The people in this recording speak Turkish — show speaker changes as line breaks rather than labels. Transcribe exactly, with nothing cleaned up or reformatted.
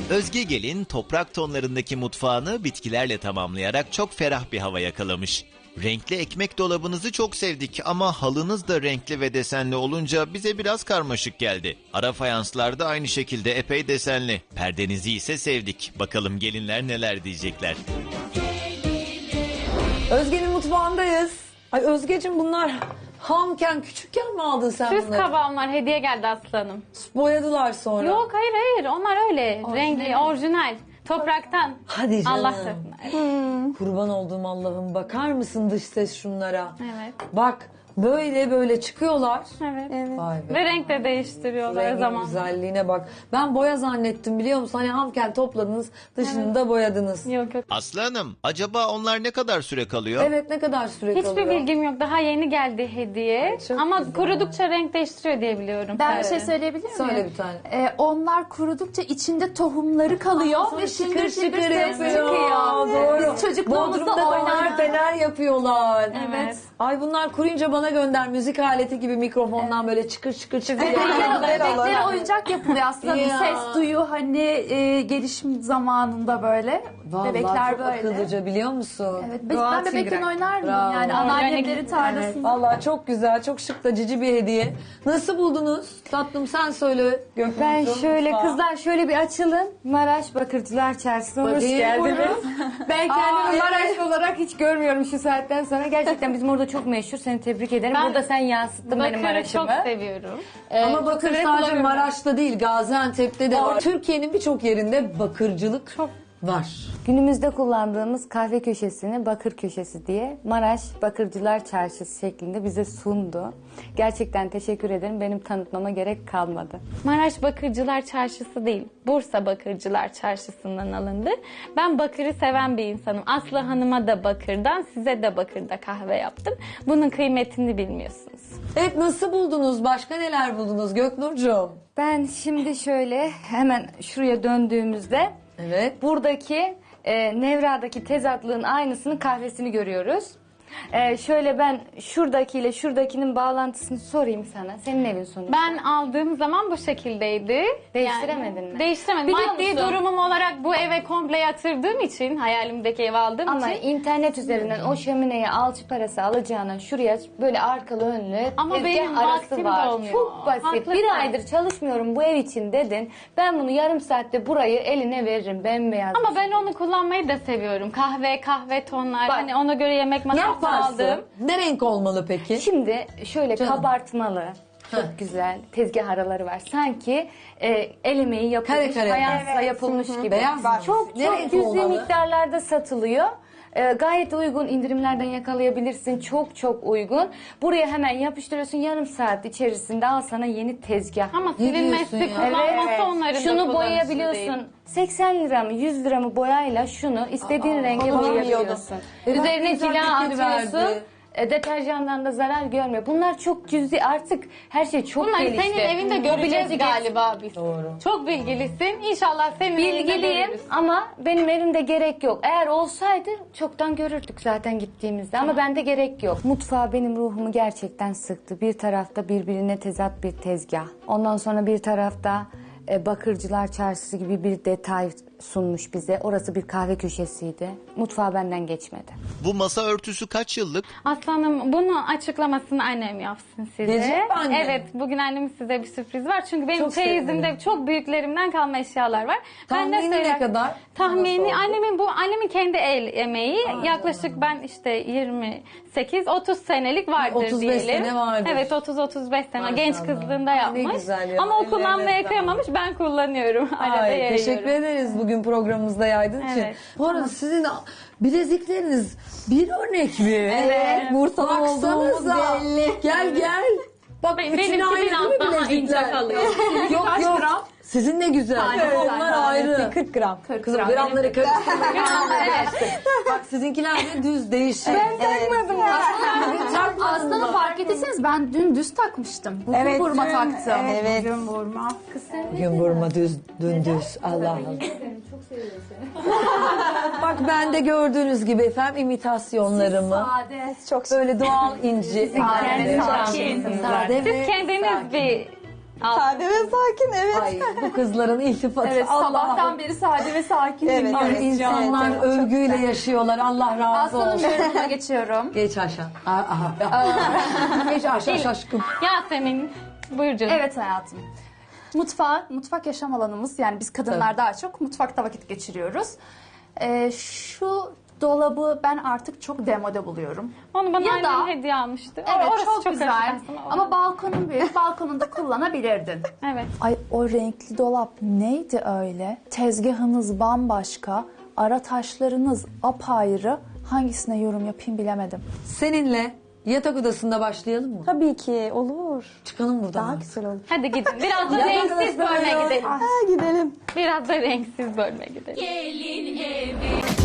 Özge Gelin toprak tonlarındaki mutfağını bitkilerle tamamlayarak çok ferah bir hava yakalamış. Renkli ekmek dolabınızı çok sevdik ama halınız da renkli ve desenli olunca bize biraz karmaşık geldi. Ara fayanslar da aynı şekilde epey desenli. Perdenizi ise sevdik. Bakalım gelinler neler diyecekler.
Özge'nin mutfağındayız. Ay Özgeciğim, bunlar hamken küçükken mi aldın sen
Süs
bunları?
kabağımlar hediye geldi aslanım.
Boyadılar sonra.
Yok hayır hayır onlar öyle. Renkli, orijinal. Topraktan.
Hadi canım.
Allah tarafından.
Kurban olduğum Allah'ım, bakar mısın dış ses şunlara?
Evet.
Bak böyle böyle çıkıyorlar.
Evet.
Vay be.
Ve renk de değiştiriyorlar
Rengin
zaman.
güzelliğine bak. Ben boya zannettim, biliyor musun? Hani hamken topladınız, dışını da boyadınız.
Yok yok.
Aslı Hanım, acaba onlar ne kadar süre kalıyor?
Evet, ne kadar süre
Hiçbir
kalıyor?
bilgim yok. Daha yeni geldi hediye.
çok
Ama
güzel.
kurudukça renk değiştiriyor diye biliyorum.
Ben
Evet.
bir şey söyleyebilir miyim?
Söyle bir tane.
Ee, onlar kurudukça içinde tohumları kalıyor ve şıngır şıngır ses çıkıyor.
Doğru.
Biz çocukluğumuzda
Bodrum'da da
oynardık.
fener yapıyorlar.
Evet.
Ay bunlar kuruyunca bana gönder, müzik aleti gibi mikrofondan böyle çıkır çıkır çıkır.
Bebeklere, bebeklere oyuncak yapılıyor aslında.
Ya.
Ses duyuyor hani e, gelişim zamanında böyle.
Vallahi
Bebekler
çok
böyle.
akıllıca, biliyor musun?
Evet, biz- ben bebekken oynardım
Bravo.
yani
Organik.
anneannemlerin tarlasında.
Vallahi çok güzel, çok şık da cici bir hediye. Nasıl buldunuz? Tatlım sen söyle Gökmen'cim.
Ben şöyle
Mutfağı.
kızlar şöyle bir açılın. Maraş Bakırcılar Çarşısı'na hoş
Bakayım.
geldiniz. Ben kendimi
Aa,
Maraş olarak hiç görmüyorum şu saatten sonra. Gerçekten bizim orada çok meşhur. Seni tebrik ederim.
Ben
Burada sen yansıttın benim
Bakır'ı
Maraş'ımı.
çok seviyorum.
Ama bakır
Bakır'ı
sadece
kullanıyorum.
Maraş'ta değil, Gaziantep'te de var. Türkiye'nin birçok yerinde bakırcılık
Çok.
var.
Günümüzde kullandığımız kahve köşesini Bakır Köşesi diye Maraş Bakırcılar Çarşısı şeklinde bize sundu. Gerçekten teşekkür ederim. Benim tanıtmama gerek kalmadı.
Maraş Bakırcılar Çarşısı değil, Bursa Bakırcılar Çarşısı'ndan alındı. Ben bakırı seven bir insanım. Aslı Hanım'a da bakırdan, size de bakırda kahve yaptım. Bunun kıymetini bilmiyorsunuz.
Evet, nasıl buldunuz? Başka neler buldunuz Göknurcuğum?
Ben şimdi şöyle hemen şuraya döndüğümüzde
Evet.
buradaki e, Nevra'daki tezatlığın aynısının kahvesini görüyoruz. E, şöyle ben şuradakiyle şuradakinin bağlantısını sorayım sana. Senin evin sonuçta.
Ben aldığım zaman bu şekildeydi.
Değiştiremedin mi?
Değiştiremedim.
Biliyor
Maddi
musun?
durumum olarak bu eve komple yatırdığım için, hayalimdeki evi aldığım
Ama
için.
internet üzerinden o şömineye alçı parası alacağına şuraya böyle arkalı önlü
Ama
tezgah
benim
arası
vaktim
var.
de olmuyor.
Çok basit.
Haklısın.
Bir aydır çalışmıyorum bu ev için dedin. Ben bunu yarım saatte burayı eline veririm bembeyaz.
Ama ben onu kullanmayı da seviyorum. Kahve, kahve tonlar.
Bak,
hani ona göre yemek
Ne
masası
yaparsın?
aldım.
Ne renk olmalı peki?
Şimdi şöyle
Canım.
kabartmalı. Çok
Heh.
güzel tezgah araları var. Sanki e, el emeği yapılmış,
Kare kare.
fayansla
Evet.
yapılmış gibi.
Beyaz mı?
Çok
Ne
çok
renk
cüzi
olmalı?
miktarlarda satılıyor. E, gayet uygun, indirimlerden yakalayabilirsin. Çok çok uygun. Buraya hemen yapıştırıyorsun, yarım saat içerisinde al sana yeni tezgah.
Ama
Ne
silinmesi,
diyorsun ya?
kullanması onların da
Şunu
kullanışı
boyayabiliyorsun.
değil.
seksen lira mı yüz lira mı boyayla şunu istediğin renge
onu
boyayabiliyorsun.
E bak,
Üzerine
güzel
cila
fikir
atıyorsun.
verdi.
E, deterjandan da zarar görmüyor. Bunlar çok cüzi, artık her şey çok
Bunları
gelişti.
senin evinde
Bu
göreceğiz
bilezik-
galiba biz.
Doğru.
Çok bilgilisin. İnşallah senin evinde
Bilgiliyim
görürüz.
ama benim evimde gerek yok. Eğer olsaydı çoktan görürdük zaten gittiğimizde ama bende gerek yok. Mutfağı benim ruhumu gerçekten sıktı. Bir tarafta birbirine tezat bir tezgah. Ondan sonra bir tarafta e, Bakırcılar Çarşısı gibi bir detay sunmuş bize. Orası bir kahve köşesiydi. Mutfağı benden geçmedi.
Bu masa örtüsü kaç yıllık?
Aslanım bunu açıklamasını annem yapsın size.
Gelecek mi anne?
Evet, bugün annemin size bir sürpriz var. Çünkü benim
Çok
çeyizimde
sevinirim.
çok büyüklerimden kalma eşyalar var.
Tahmini
Ben de
ne
söyler-
kadar?
Tahmini
Nasıl oldu?
annemin bu annemin kendi el emeği. Yaklaşık ben işte yirmi sekiz otuz senelik vardır
otuz beş
diyelim.
sene vardır.
Evet, otuz otuz beş sene
Maşallah.
genç kızlığında
Ne
yapmış.
güzel ya,
Ama o
ellerine
kullanmaya
sağlık.
kıyamamış, ben kullanıyorum. Arada
Ay,
yayıyorum.
teşekkür ederiz bugün programımızda yaydığın için.
Evet.
Bu arada sizin bilezikleriniz bir örnek mi?
Evet.
Bursa'da olduğumuz belli. Gel gel. Bak
Benimki
üçüne ayrı
biraz
değil mi
daha ince
bilezikler?
kalıyor.
Yok
Kaç
yok.
gram?
Sizin ne güzel.
Aynen,
Onlar
aynen.
ayrı.
kırk gram. kırk
Kızım
gram.
gramları karıştırma. Bak sizinkiler de düz değişik. Ben takmadım ya.
Aslında fark ettiyseniz ben dün düz takmıştım. Bugün
Evet,
burma
dün-
taktım.
evet.
Bugün burma.
Bugün vurma düz, dün düz. Allah Allah. Bak ben de gördüğünüz gibi efendim imitasyonlarımı.
Sade.
Çok
Böyle doğal inci.
Sade,
Sade.
sakin.
Sade
Siz
ve
kendiniz bir
Sade ve sakin, evet.
Ay bu kızların iltifatı.
Evet,
Allah
sabahtan beri sade ve sakin
Evet,
dinliyoruz.
Ay,
evet,
insanlar
evet,
övgüyle yaşıyorlar. Allah razı
Aslanın
olsun.
yorumuna geçiyorum.
Geç aşağı. Aha. Geç aşağı şaşkın.
Yasemin, buyur canım.
Evet hayatım. Mutfağı, mutfak yaşam alanımız. Yani biz kadınlar daha çok mutfakta vakit geçiriyoruz. Ee, şu dolabı ben artık çok demode buluyorum.
Onu bana
Ya
annem
da-
hediye almıştı.
Evet,
Orası
çok, güzel.
affedersin, o-
Ama balkonun büyük. Balkonunda kullanabilirdin.
Evet.
Ay o renkli dolap neydi öyle? Tezgahınız bambaşka, ara taşlarınız apayrı. Hangisine yorum yapayım bilemedim.
Seninle yatak odasında başlayalım mı?
Tabii ki olur.
Çıkalım buradan.
Daha güzel olur.
Hadi gidin. Biraz da
Ya,
renksiz
arkadaşlar
bölme
ya.
gidelim.
Ha, gidelim.
Biraz da renksiz bölme gidelim.
Gelin evi